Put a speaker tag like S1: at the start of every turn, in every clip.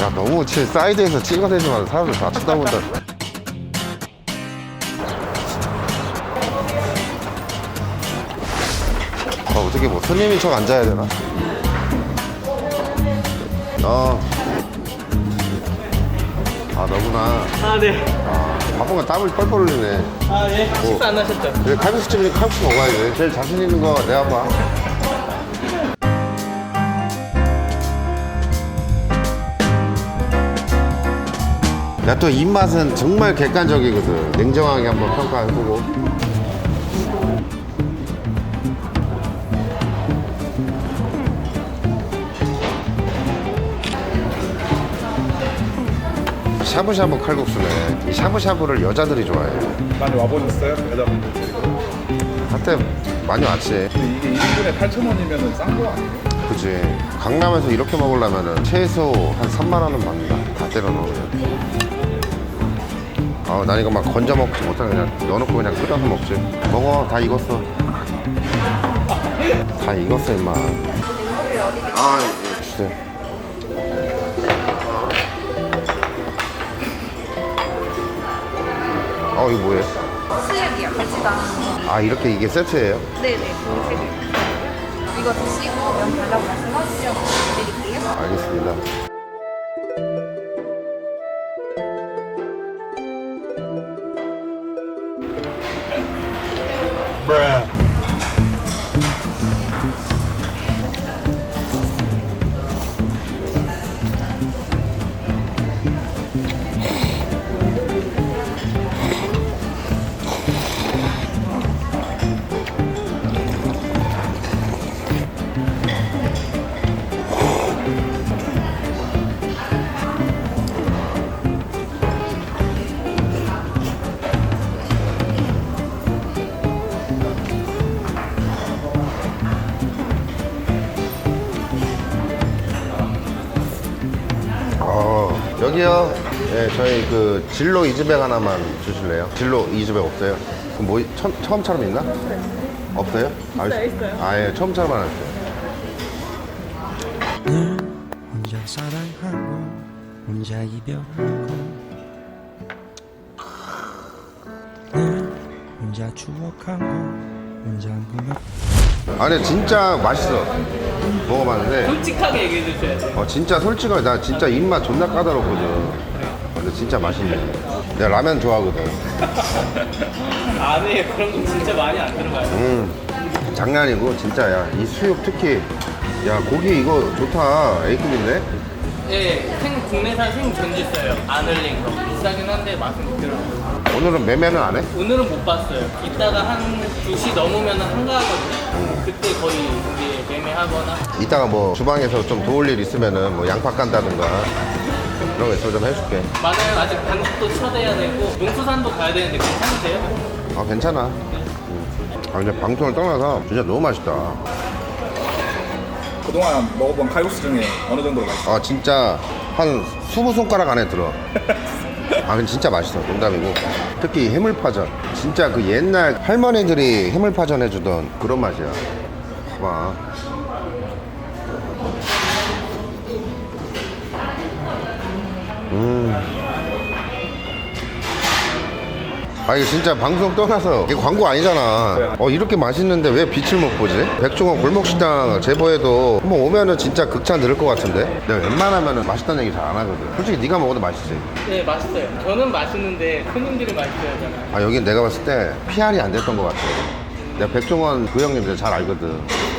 S1: 야, 너무 사이드에서 찍어대지 마. 사람들 다 쳐다본다. 어떻게 뭐 손님인 척 앉아야 되나? 너구나.
S2: 아, 네.
S1: 바쁜가 땀을 뻘뻘 흘리네.
S2: 아, 네. 식사 안 하셨죠?
S1: 그래, 칼국수집이니 칼국수 먹어야지. 제일 자신 있는 거 내가 봐. 야, 또 입맛은 정말 객관적이거든. 냉정하게 한번 평가해보고. 샤브샤브 칼국수네. 이 샤브샤브를 여자들이 좋아해.
S3: 많이 와보셨어요? 여자분들 데리고.
S1: 한때 많이 왔지.
S3: 근데 이게 1인분에 8,000원이면 싼 거 아니에요?
S1: 그치. 강남에서 이렇게 먹으려면 최소 한 3만 원은 받는다. 다 때려 넣으면. 난 이거 막 건져 먹지 못해. 그냥 넣어놓고 그냥 끓여서 먹지. 먹어. 다 익었어. 다 익었어, 임마. 주세요. 이거 뭐예요?
S4: 수육이요, 같이 나는.
S1: 이렇게 이게 세트예요?
S4: 네네, 세개. 이거 드시고 면 달라고 말씀하시면 드릴게요.
S1: 알겠습니다. 여기요. 네, 저희 그 진로 이즈백 하나만 주실래요? 진로 이즈백 없어요? 그럼 뭐 처음처럼 있나? 없어요? 있어요. 예, 처음처럼 하나 주세요.
S5: 늘 혼자 사랑하고 혼자 이별하고 늘 혼자 추억하고 혼자 꿈을
S1: 아니 진짜 맛있어. 먹어봤는데
S2: 솔직하게 얘기해 주셔야 돼요.
S1: 진짜 솔직하게 나 진짜 입맛 존나 까다롭거든. 근데 진짜 맛있네. 내가 라면 좋아하거든.
S2: 안에 그런 거 진짜 많이 안 들어가요.
S1: 장난이고 진짜. 야, 이 수육 특히 야, 고기 이거 좋다. A급인데?
S2: 네, 국내산 생전주 있어요. 안 흘린 거. 비싸긴 한데 맛은 그대로요.
S1: 오늘은 매매는 안 해?
S2: 오늘은 못 봤어요. 이따가 한 2시 넘으면 한가하거든요. 그때 거의 이제 매매하거나.
S1: 이따가 뭐 주방에서 좀 도울 일 있으면은 뭐 양파 깐다든가 그런 거 있으면 좀 해줄게.
S2: 맞아요. 아직 반죽도 쳐대야 되고 농수산도 가야 되는데 괜찮으세요?
S1: 괜찮아. 근데 방송을 떠나서 진짜 너무 맛있다.
S3: 그동안 먹어본 칼국수 중에 어느 정도로 맛있어요?
S1: 진짜 한 20손가락 안에 들어. 근데 진짜 맛있어. 농담이고. 특히 해물파전. 진짜 그 옛날 할머니들이 해물파전 해주던 그런 맛이야. 봐봐. 이거 진짜 방송 떠나서 이게 광고 아니잖아. 이렇게 맛있는데 왜 빛을 못 보지? 백종원 골목식당 제보해도 한번 오면은 진짜 극찬 들을 것 같은데. 내가 웬만하면은 맛있다는 얘기 잘 안 하거든. 솔직히 네가 먹어도 맛있지.
S2: 네, 맛있어요. 저는 맛있는데 손님들이 맛있어야 하잖아요.
S1: 여긴 내가 봤을 때 PR이 안 됐던 것 같아. 내가 백종원 그 형님 내가 잘 알거든.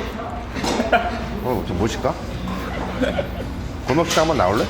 S1: 저 모실까? 골목식당 한번 나올래?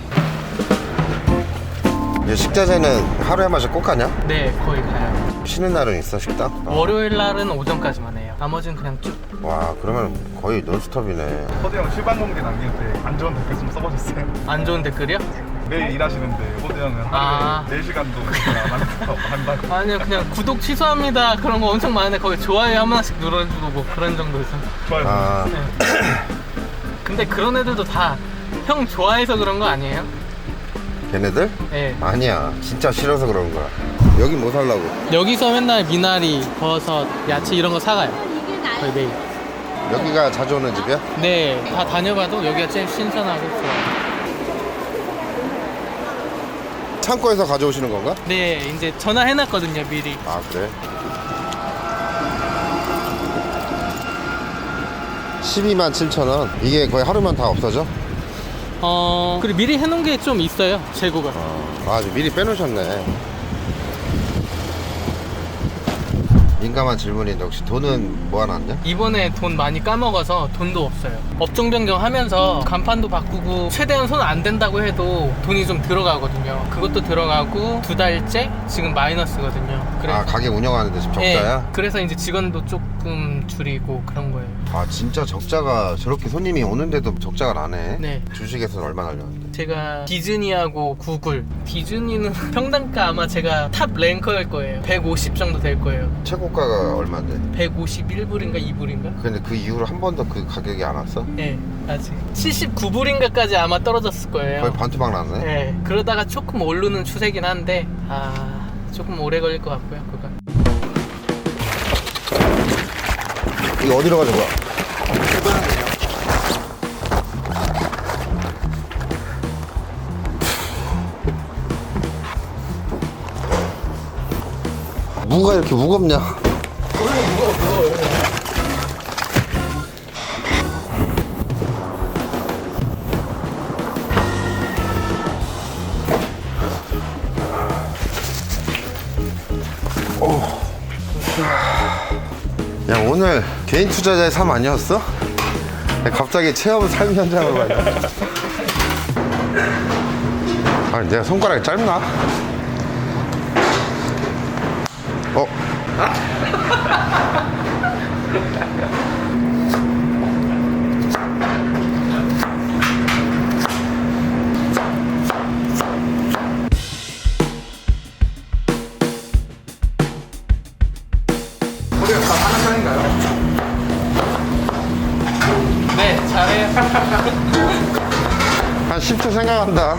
S1: 식자재는 하루에 한 번씩 꼭 가냐?
S2: 네, 거의 가요.
S1: 쉬는 날은 있어, 식당?
S2: 월요일 날은 오전까지만 해요. 나머지는 그냥 쭉.
S1: 와, 그러면 거의 논스톱이네.
S3: 호대 형 실방공지 남길 때 안 좋은 댓글 좀 써보셨어요?
S2: 안 좋은 댓글이요?
S3: 매일 일하시는데 호대 형은
S2: 아.
S3: 하루에 4시간도 안 한다고.
S2: 아니요, 그냥 구독 취소합니다. 그런 거 엄청 많은데 거기 좋아요 한 번씩 눌러주고 뭐 그런 정도에서.
S3: 좋아요.
S2: 네. 근데 그런 애들도 다 형 좋아해서 그런 거 아니에요?
S1: 걔네들?
S2: 네.
S1: 아니야. 진짜 싫어서 그런 거야. 여기 뭐 살라고?
S2: 여기서 맨날 미나리, 버섯, 야채 이런 거 사가요. 거의 매일.
S1: 여기가 자주 오는 집이야?
S2: 네, 다 다녀봐도 여기가 제일 신선하고 좋아요.
S1: 창고에서 가져오시는 건가?
S2: 네, 이제 전화해놨거든요, 미리.
S1: 아 그래? 127,000원. 이게 거의 하루면 다 없어져?
S2: 그리고 미리 해놓은 게 좀 있어요, 재고가.
S1: 아 미리 빼놓으셨네. 민감한 질문인데 혹시 돈은 모아놨냐?
S2: 이번에 돈 많이 까먹어서 돈도 없어요. 업종 변경하면서 간판도 바꾸고 최대한 손 안 된다고 해도 돈이 좀 들어가거든요. 그것도 들어가고 2달째 지금 마이너스거든요.
S1: 아 가게 운영하는데 지금 적자야?
S2: 네, 그래서 이제 직원도 조금 줄이고 그런 거예요.
S1: 아 진짜 적자가 저렇게 손님이 오는데도 적자가 나네.
S2: 네.
S1: 주식에서는 얼마 날렸는데?
S2: 제가 디즈니하고 구글, 디즈니는 평단가 아마 제가 탑 랭커일 거예요. 150 정도 될 거예요.
S1: 최고가가 얼마인데?
S2: 151불인가 2불인가?
S1: 근데 그 이후로 한 번도 그 가격이 안 왔어?
S2: 네, 아직 79불인가까지 아마 떨어졌을 거예요.
S1: 거의 반토막 났네?
S2: 네, 그러다가 조금 오르는 추세긴 한데 조금 오래 걸릴 것 같고요, 그건.
S1: 이거 어디로 가는 거야? 무가 이렇게 무겁냐? 야 오늘 개인 투자자의 삶 아니었어? 갑자기 체험 삶 현장으로 가냐? 아니 내가 손가락이 짧나?
S3: 우리가 다 하는 편인가요?
S2: 네, 잘해요.
S1: 한 10초 생각한다.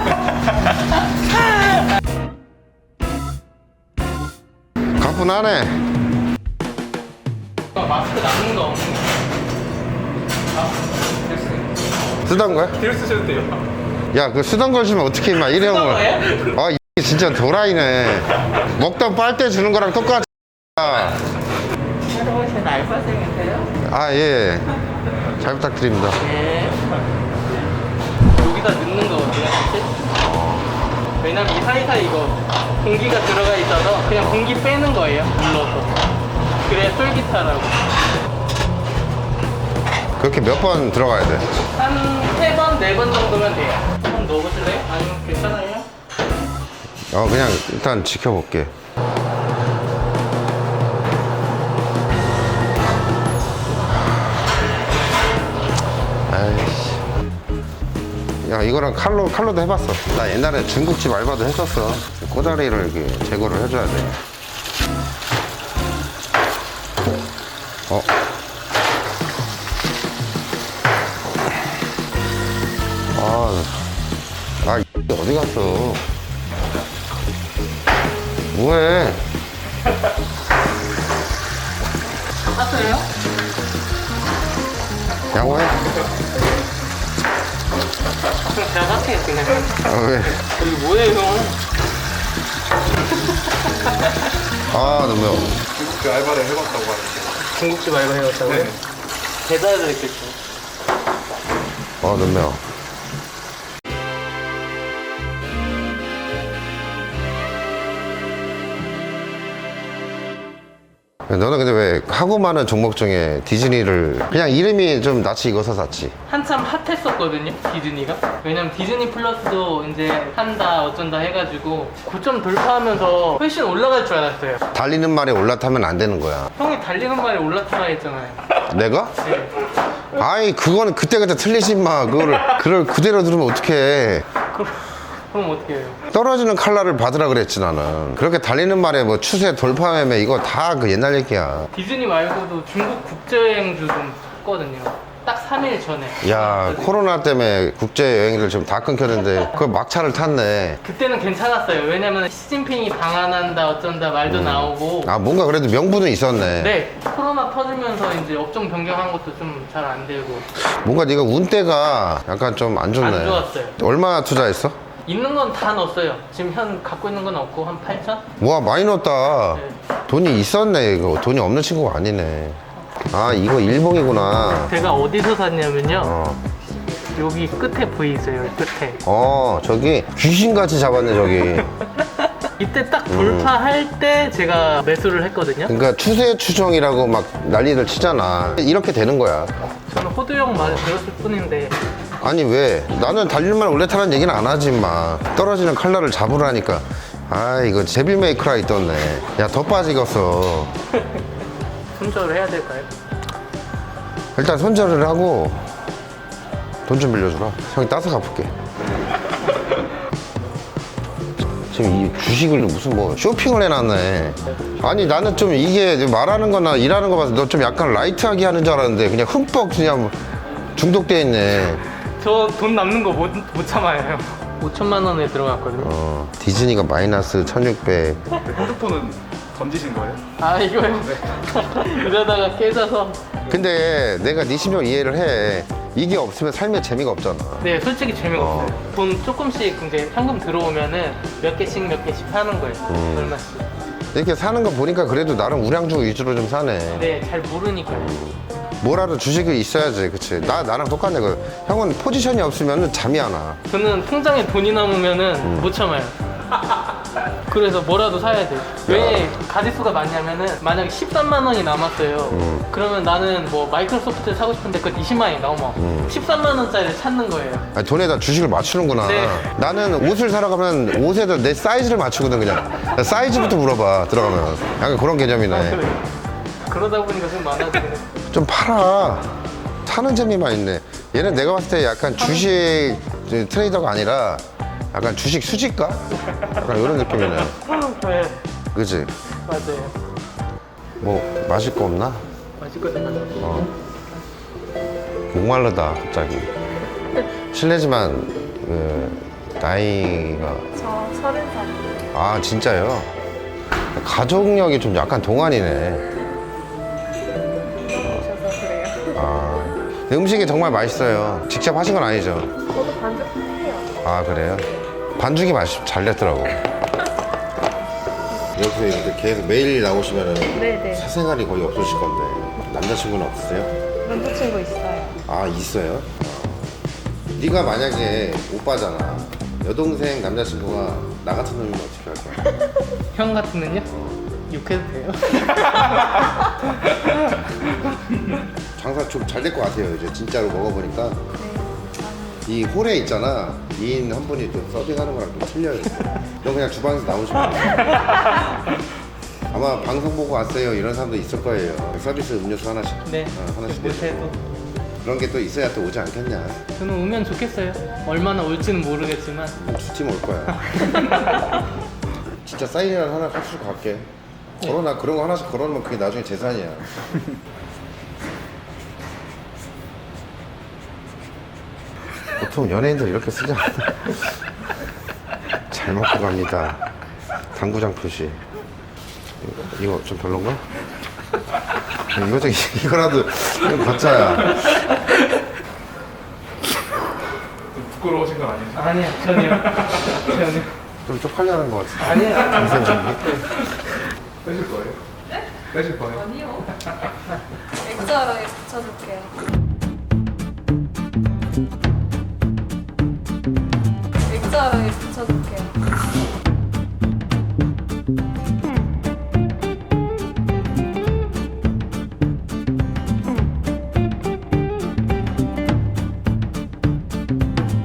S1: 가뿐하네.
S2: 마스크 남는 거 없는 거.
S1: 쓰던 거야?
S3: 딜 쓰셔도 돼요.
S1: 야, 그 쓰던 걸 주면 어떻게 임마 일회용을. 아, 이 진짜 도라이네. 먹던 빨대 주는 거랑 똑같아.
S2: 새로 오신 알바생이세요?
S1: 아, 예. 잘 부탁드립니다.
S2: 네. 여기다 넣는 거 어때요? 왜냐면 이 사이사이 이거 공기가 들어가 있어서 그냥 공기 빼는 거예요, 눌러서. 그래야 쫄깃하라고.
S1: 그렇게 몇 번 들어가야 돼?
S2: 한 3번, 4번 정도면 돼요. 한번 넣어보실래요? 아니면 괜찮아요?
S1: 그냥 일단 지켜볼게. 아이씨. 야, 이거랑 칼로도 해봤어. 나 옛날에 중국집 알바도 했었어. 꼬다리를 이렇게 제거를 해줘야 돼. 이게 어디 갔어? 뭐해?
S2: 땄어요?
S1: 양호해?
S2: 그럼 제가 할게요, 그냥.
S1: 왜?
S2: 여기 뭐예요, 형?
S1: 너무 매워.
S3: 중국집 알바를 해봤다고 하는데.
S2: 중국집 알바 해왔다고요?
S3: 네.
S2: 배달해드렸겠죠.
S1: 너무 매워. 너는 근데 왜 하고 많은 종목 중에 디즈니를 그냥 이름이 좀 낯이 익어서 샀지?
S2: 한참 핫했었거든요, 디즈니가. 왜냐면 디즈니 플러스도 이제 한다 어쩐다 해가지고 9점 돌파하면서 훨씬 올라갈 줄 알았어요.
S1: 달리는 말에 올라타면 안 되는 거야.
S2: 형이 달리는 말에 올라타라 했잖아요.
S1: 내가?
S2: 네.
S1: 아이 그거는 그때그때 틀리지 마. 그걸 그대로 들으면 어떡해.
S2: 그럼 어떻게 해요?
S1: 떨어지는 칼날을 받으라 그랬지 나는. 그렇게 달리는 말에 뭐 추세 돌파매매 이거 다 그 옛날 얘기야.
S2: 디즈니 말고도 중국 국제여행주 좀 샀거든요. 딱 3일 전에.
S1: 야 코로나 때문에 국제여행들 좀 다 끊겼는데 그 막차를 탔네.
S2: 그때는 괜찮았어요. 왜냐면 시진핑이 방한한다 어쩐다 말도 나오고.
S1: 뭔가 그래도 명분은 있었네.
S2: 네, 코로나 터지면서 이제 업종 변경한 것도 좀 잘 안 되고.
S1: 뭔가 네가 운때가 약간 좀 안 좋네.
S2: 안 좋았어요.
S1: 얼마 투자했어?
S2: 있는 건 다 넣었어요. 지금 현 갖고 있는 건 없고 한 8천?
S1: 와 많이 넣었다.
S2: 네.
S1: 돈이 있었네. 이거 돈이 없는 친구가 아니네. 아 이거 일봉이구나.
S2: 제가 어디서 샀냐면요.
S1: 어,
S2: 여기 끝에 보이세요? 여기 끝에.
S1: 저기 귀신같이 잡았네 저기.
S2: 이때 딱 돌파할 때 제가 매수를 했거든요.
S1: 그러니까 추세 추정이라고 막 난리를 치잖아. 이렇게 되는 거야.
S2: 저는 호두형 말을 들었을 뿐인데
S1: 아니 왜? 나는 달릴만 원래 타라는 얘기는 안 하지 마. 떨어지는 칼날을 잡으라니까. 아 이거 제빌 메이크라 있던네. 야 더 빠지겠어.
S2: 손절을 해야 될까요?
S1: 일단 손절을 하고 돈 좀 빌려주라. 형이 따서 갚을게. 지금 이 주식을 무슨 뭐 쇼핑을 해놨네. 아니 나는 좀 이게 말하는 거나 일하는 거 봐서 너 좀 약간 라이트하게 하는 줄 알았는데 그냥 흠뻑 그냥 중독돼 있네.
S2: 저 돈 남는 거 못 참아요, 형. 5천만 원에 들어갔거든요.
S1: 디즈니가 마이너스 1600.
S3: 핸드폰은 던지신 거예요?
S2: 아, 이거요? 이러다가 깨져서.
S1: 근데 내가 네 심정 이해를 해. 이게 없으면 삶에 재미가 없잖아.
S2: 네, 솔직히 재미가 없어요. 돈 조금씩 이제 현금 들어오면은 몇 개씩 사는 거예요. 얼마씩.
S1: 이렇게 사는 거 보니까 그래도 나름 우량주 위주로 좀 사네.
S2: 네, 잘 모르니까요.
S1: 뭐라도 주식이 있어야지, 그치? 나랑 똑같네. 형은 포지션이 없으면 잠이 안 와.
S2: 저는 통장에 돈이 남으면은 못 참아요. 그래서 뭐라도 사야 돼요. 왜 가짓수가 많냐면은 만약에 13만 원이 남았어요. 그러면 나는 뭐 마이크로소프트를 사고 싶은데 그건 20만 원이 넘어. 13만 원짜리를 찾는 거예요.
S1: 아니, 돈에다 주식을 맞추는구나.
S2: 네.
S1: 나는 옷을 사러 가면 옷에다 내 사이즈를 맞추거든, 그냥. 사이즈부터 물어봐, 들어가면. 약간 그런 개념이네.
S2: 그래. 그러다 보니까 좀 많아지네.
S1: 좀 팔아. 사는 재미만 있네. 얘는 내가 봤을 때 약간 주식 트레이더가 아니라 약간 주식 수집가? 약간 이런 느낌이네.
S2: 네,
S1: 그치?
S2: 맞아요.
S1: 뭐, 마실 거 없나?
S2: 맛있거든요.
S1: 목마르다, 갑자기. 실례지만, 나이가.
S4: 저 30살이에요.
S1: 아, 진짜요? 가족력이 좀 약간 동안이네.
S4: 오셔서 그래요.
S1: 아. 근데 음식이 정말 맛있어요. 직접 하신 건 아니죠?
S4: 저도 반죽 해요.
S1: 아, 그래요? 반죽이 잘 됐더라고. 여기서 이렇게 계속 매일 나오시면
S4: 네네.
S1: 사생활이 거의 없으실 건데 남자친구는 없으세요?
S4: 남자친구 있어요.
S1: 아 있어요? 네가 만약에 오빠잖아. 여동생 남자친구가 나 같은 놈이면 어떻게 할 거야?
S2: 형 같으면요? 욕해도 돼요?
S1: 장사 좀 잘 될 것 같아요. 이제 진짜로 먹어보니까
S4: 네.
S1: 이 홀에 있잖아. 2인 한 분이 또 서빙하는 거랑 좀 틀려요. 너 그냥 주방에서 나오시면 돼. 아마 방송 보고 왔어요 이런 사람도 있을 거예요. 서비스 음료수 하나씩.
S2: 네.
S1: 하나씩
S2: 못해도.
S1: 그런 게 또 있어야 또 오지 않겠냐.
S2: 저는 오면 좋겠어요. 얼마나 올지는 모르겠지만.
S1: 두 팀 올 거야. 진짜 사인이라도 하나 값주고 갈게. 걸어놔. 그런 거 하나씩 걸어놓으면 그게 나중에 재산이야. 보통 연예인들 이렇게 쓰지 않아. 잘 먹고 갑니다. 당구장 표시. 이거 좀 별론가? 이거라도 이거 가짜야.
S3: 부끄러우신 건 아니죠?
S2: 아니요, 전혀요. 전혀.
S1: 좀 쪽팔려는 것 같아.
S2: 아니에요.
S3: 빼실 거예요? 네? 빼실 거예요?
S4: 아니요. 액자로에 붙여줄게요. 액자로에 붙여줄게요.